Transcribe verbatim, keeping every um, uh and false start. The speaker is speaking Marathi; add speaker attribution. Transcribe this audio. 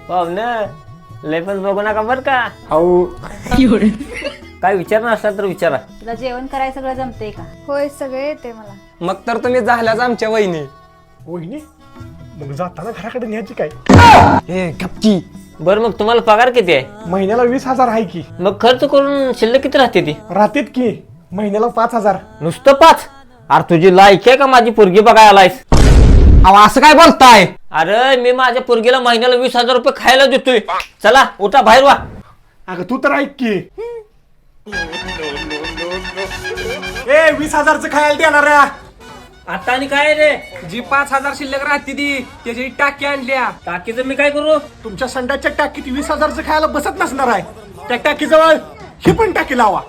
Speaker 1: पाहुणे लय पण बघू नका बर का.
Speaker 2: हो
Speaker 1: काय विचारणार असला तर विचारा.
Speaker 3: तुला जेवण करायला सगळं जमतंय का?
Speaker 4: होय सगळे येते मला.
Speaker 2: मग तर तुम्ही झाल्याच आमच्या वहिनी.
Speaker 5: वहिनी मग जाताना घराकडे न्यायची काय?
Speaker 2: ए गपची.
Speaker 1: बरं मग तुम्हाला पगार किती आहे?
Speaker 5: महिन्याला वीस हजार आहे की.
Speaker 1: मग खर्च करून शिल्लक किती राहते ती?
Speaker 5: राहतेत की महिन्याला पाच हजार.
Speaker 1: नुसतं पाच? अरे तुझी लायकी आहे का माझी पोरगी बघायला आलायस?
Speaker 2: अहो असं काय बोलताय?
Speaker 1: अरे मी माझ्या पोरगीला महिन्याला वीस हजार रुपये खायला देतोय. चला उठा बाहेर वा.
Speaker 5: अगं तू तर ऐक की. ए वीस हजारचं खायला देणार आहे.
Speaker 1: आता आणि काय रे?
Speaker 2: जी पाच हजार शिल्लक राहते ती त्याची टाकी आणल्या.
Speaker 1: टाकीचं मी काय करू?
Speaker 5: तुमच्या संडाच्या टाकीत वीस हजारचं खायला बसत नसणार आहे. त्या टाकीजवळ ही पण टाकी लावा.